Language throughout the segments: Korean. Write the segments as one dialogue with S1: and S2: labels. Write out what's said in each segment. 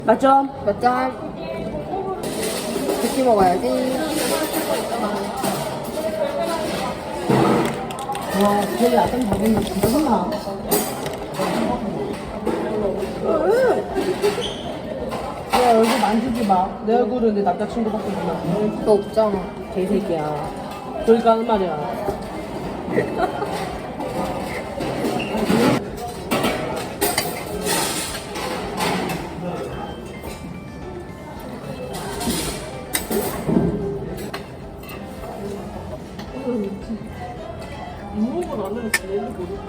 S1: 맞죠?
S2: 맞짱. 같이 먹어야지.
S1: 와, 되게 약간 먹으면 진짜 혼나. 내 얼굴 만지지 마. 내 얼굴은 내 남자친구밖에 몰라.
S2: 너 없잖아.
S1: 개새끼야. 그러니까 하는 말이야. 이모가 나는 제일 모르겠어.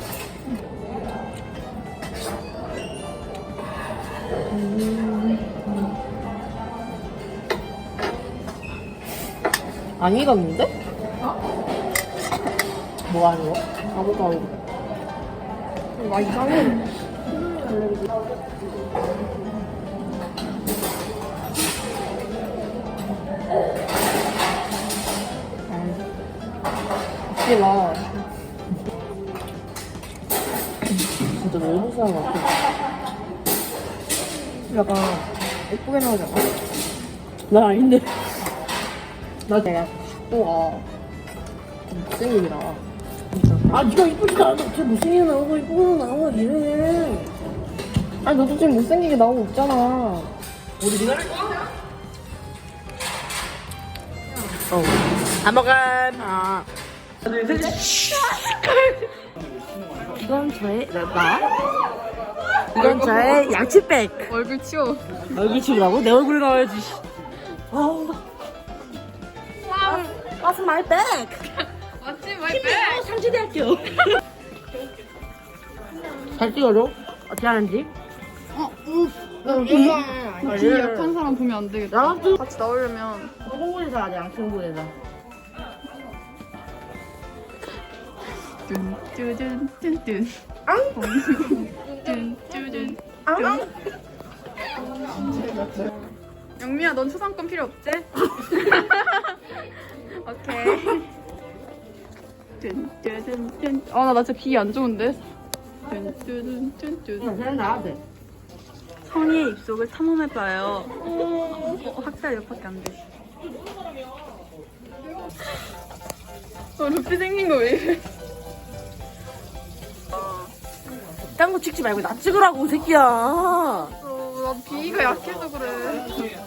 S1: 안 익었는데? 뭐 하는 거? 아무것도 안 익어.
S2: 와, 이상해.
S1: 웃지 마. 진짜 너무 사람 같아.
S2: 약간 예쁘게 나오잖아.
S1: 난 아닌데. 나
S2: 내가 식도가 못생기더라.
S1: 아, 니가 이쁘지도 않아. 쟤 못생기게 나오고 이쁘게 나오고 이래.
S2: 아니, 너도 지금 못생기게 나오고 있잖아.
S1: 우리 니가 안 먹어.
S2: 아,
S1: 둘, 셋. 이건 저의 나. 이건 저의 양치백.
S3: 얼굴 치워.
S1: 얼굴 치우라고? 내 얼굴에 나와야지. 어우. What's my bag?
S3: 맞지, 말빼.
S1: 상지대학교. 잘 찍어줘. 어떻게 하는지.
S3: 귀 약한 사람 보면 안 되겠다.
S1: 나도
S3: 같이 나오려면
S1: 홍보에서 하자. 양친구에서.
S3: 뚠뚠뚠뚠. 뚠뚠뚠. 영미야, 넌 초상권 필요 없지? 오케이. 뚠뚠뚠뚠. 아, 나 진짜 귀 안 좋은데. 뚠뚠뚠뚠.
S1: 그냥 나와도 돼.
S3: 성희의 입속을 탐험해봐요. 학살 옆밖에 안 돼. 루피 생긴 거 왜 이래?
S1: 딴 거 찍지 말고 나 찍으라고, 새끼야.
S3: 나 비위가 약해서 그래.